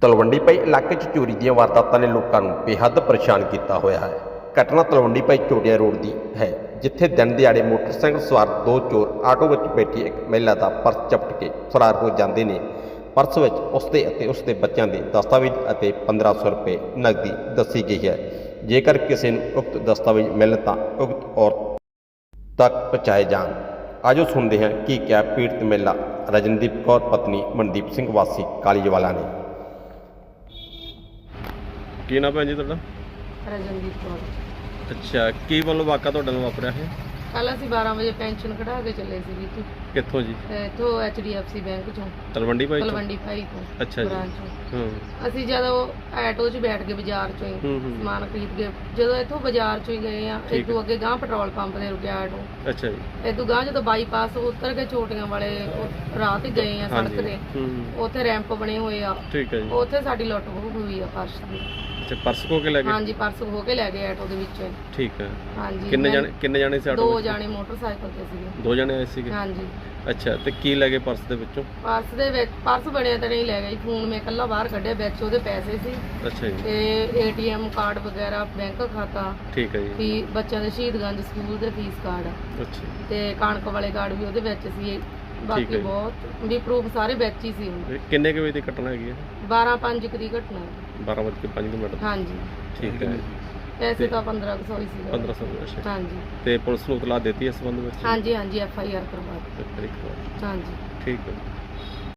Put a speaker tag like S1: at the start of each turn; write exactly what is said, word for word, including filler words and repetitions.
S1: ਤਲਵੰਡੀ ਪਈ ਇਲਾਕੇ 'ਚ ਚੋਰੀ ਦੀਆਂ ਵਾਰਦਾਤਾਂ ਨੇ ਲੋਕਾਂ ਨੂੰ ਬੇਹੱਦ ਪਰੇਸ਼ਾਨ ਕੀਤਾ ਹੋਇਆ ਹੈ। ਘਟਨਾ ਤਲਵੰਡੀ ਪਈ ਚੋੜੀਆਂ ਰੋਡ ਦੀ ਹੈ, ਜਿੱਥੇ ਦਿਨ ਦਿਹਾੜੇ ਮੋਟਰਸਾਈਕਲ ਸਵਾਰ ਦੋ ਚੋਰ ਆਟੋ ਵਿੱਚ ਬੈਠੀ ਇੱਕ ਮਹਿਲਾ ਦਾ ਪਰਸ ਚਪਟ ਕੇ ਫਰਾਰ ਹੋ ਜਾਂਦੇ ਨੇ। ਪਰਸ ਵਿੱਚ ਉਸਦੇ ਅਤੇ ਉਸਦੇ ਬੱਚਿਆਂ ਦੇ ਦਸਤਾਵੇਜ਼ ਅਤੇ ਪੰਦਰਾਂ ਸੌ ਰੁਪਏ ਨਕਦੀ ਦੱਸੀ ਗਈ ਹੈ। ਜੇਕਰ ਕਿਸੇ ਨੂੰ ਉਕਤ ਦਸਤਾਵੇਜ਼ ਮਿਲਣ ਤਾਂ ਉਕਤ ਔਰਤ ਤੱਕ ਪਹੁੰਚਾਏ ਜਾਣ। ਆਜੋ ਸੁਣਦੇ ਹਾਂ ਕੀ ਕਿਹਾ ਪੀੜਤ ਮਹਿਲਾ ਰਜਨਦੀਪ ਕੌਰ ਪਤਨੀ ਮਨਦੀਪ ਸਿੰਘ ਵਾਸੀ ਕਾਲੀਜਵਾਲਾ ਨੇ।
S2: ਕੀ ਨਾਮ ਭੈਣ ਜੀ ਤੁਹਾਡਾ?
S3: ਰਜਨਦੀਪ ਕੌਰ।
S2: ਅੱਛਾ, ਕੀ ਵੱਲੋਂ ਵਾਕਾ ਤੁਹਾਡੇ ਨਾਲ ਵਾਪਰਿਆ ਹੈ?
S3: ਕੱਲ ਅਸੀਂ ਬਾਰਾਂ ਵਜੇ ਪੈਨਸ਼ਨ ਕਢਾ ਕੇ ਚੱਲੇ ਸੀ ਜੀ ਇੱਥੋਂ
S2: ਕਿੱਥੋਂ ਜੀ?
S3: ਇੱਥੋਂ H D F C bank ਚੋਂ,
S2: ਤਲਵੰਡੀ ਭਾਈ ਤੋਂ?
S3: ਤਲਵੰਡੀ ਭਾਈ ਤੋਂ।
S2: ਅੱਛਾ ਜੀ।
S3: ਬ੍ਰਾਂਚ ਚੋਂ।
S2: ਹੂੰ
S3: ਅਸੀਂ ਜਦੋਂ ਆਟੋ 'ਚ ਬੈਠ ਕੇ ਬਾਜ਼ਾਰ ਚੋਂ ਹੀ
S2: ਹੂੰ ਹੂੰ।
S3: ਸਮਾਨ ਖਰੀਦ ਕੇ ਜਦੋਂ ਇੱਥੋਂ ਬਾਜ਼ਾਰ ਚੋਂ ਹੀ ਗਏ ਆ,
S2: ਠੀਕ
S3: ਇਦੋਂ ਅੱਗੇ ਗਾਂ ਪੈਟਰੋਲ ਪੰਪ ਤੇ ਰੁਕਿਆ ਆਟੋ।
S2: ਅੱਛਾ ਜੀ।
S3: ਇਦੋਂ ਗਾਂ ਜਦੋਂ ਬਾਈਪਾਸ ਉਤਰ ਕੇ ਛੋਟੀਆਂ ਵਾਲੇ ਉਹ ਰਾਹ ਤੇ ਗਏ ਆ ਸੜਕ ਤੇ,
S2: ਹੂੰ ਹੂੰ।
S3: ਉੱਥੇ ਰੈਂਪ ਬਣੇ ਹੋਏ ਆ,
S2: ਠੀਕ ਹੈ ਜੀ।
S3: ਉੱਥੇ ਸਾਡੀ ਲੁੱਟ ਖੋਹ ਹੋਈ ਆ ਪਰਸ ਦੀ।
S2: ਅੱਛਾ, ਪਰਸ ਖੋ ਕੇ ਲੈ ਗਏ?
S3: ਹਾਂਜੀ, ਪਰਸ ਖੋ ਕੇ ਲੈ ਗਏ ਆਟੋ ਦੇ ਵਿੱਚੋਂ ਹੀ।
S2: ਠੀਕ ਹੈ।
S3: ਹਾਂਜੀ।
S2: ਕਿੰਨੇ
S3: ਮੈਂ-
S2: ਜਾਣੇ ਕਿੰਨੇ ਜਾਣੇ ਸੀ ਆਟੋ
S3: ਦੋ
S2: ਵਿੱਚ?
S3: ਜਾਣੇ ਮੋਟਰਸਾਈਕਲ ਤੇ ਸੀਗੇ।
S2: ਦੋ ਜਾਣੇ ਆਏ ਸੀਗੇ?
S3: ਹਾਂਜੀ।
S2: ਅੱਛਾ, ਤੇ ਕੀ ਲੈ ਗਏ ਪਰਸ ਦੇ ਵਿੱਚੋਂ?
S3: ਪਰਸ ਦੇ ਵਿੱਚ ਪਰਸ ਬਣਿਆ ਤਾਂ ਨਹੀਂ ਲੈ ਗਈ, ਫੋਨ ਮੈਂ ਇਕੱਲਾ ਬਾਹਰ ਕੱਢਿਆ, ਵਿੱਚ ਉਹਦੇ ਪੈਸੇ ਸੀ
S2: ਅੱਛਾ ਜੀ।
S3: ਤੇ ਏ ਟੀ ਐਮ ਕਾਰਡ ਵਗੈਰਾ, ਬੈਂਕ ਖਾਤਾ,
S2: ਠੀਕ ਹੈ ਜੀ।
S3: ਫੀ ਬੱਚਿਆਂ ਦੇ ਸ਼ਹੀਦਗੰਜ ਸਕੂਲ ਦੇ ਫੀਸ ਕਾਰਡ
S2: ਅੱਛਾ
S3: ਤੇ ਕਣਕ ਵਾਲੇ ਕਾਰਡ ਵੀ ਉਹਦੇ ਵਿੱਚ ਸੀ।
S2: ਠੀਕ
S3: ਬਾਕੀ
S2: ਹੈ।
S3: ਬਹੁਤ ਵੀ ਪ੍ਰੂਫ ਸਾਰੇ ਵਿੱਚ ਹੀ ਸੀ।
S2: ਇਹ ਕਿੰਨੇ ਕੁ ਵਜੇ ਦੀ ਘਟਨਾ ਹੈਗੀ ਹੈ?
S3: ਬਾਰਾਂ ਪੰਜ ਦੀ ਘਟਨਾ ਹੈ।
S2: ਬਾਰਾਂ ਵੱਜ ਕੇ ਪੰਜ ਮਿੰਟ।
S3: ਹਾਂਜੀ।
S2: ਠੀਕ ਹੈ।
S3: ਪੈਸੇ ਤਾਂ ਪੰਦਰਾਂ ਕੁ ਸੌ ਹੀ ਸੀ।
S2: ਪੰਦਰਾਂ ਸੌ। ਅੱਛਾ।
S3: ਹਾਂਜੀ
S2: ਤੇ ਪੁਲਿਸ ਨੂੰ ਇਤਲਾਹ ਦਿੱਤੀ ਇਸ ਸੰਬੰਧ ਵਿੱਚ?
S3: ਹਾਂਜੀ ਹਾਂਜੀ ਐਫ ਆਈ ਆਰ ਕਰਵਾ ਦਿੱਤੀ।
S2: ਇੱਕ ਵਾਰ।
S3: ਹਾਂਜੀ।
S2: ਠੀਕ ਹੈ।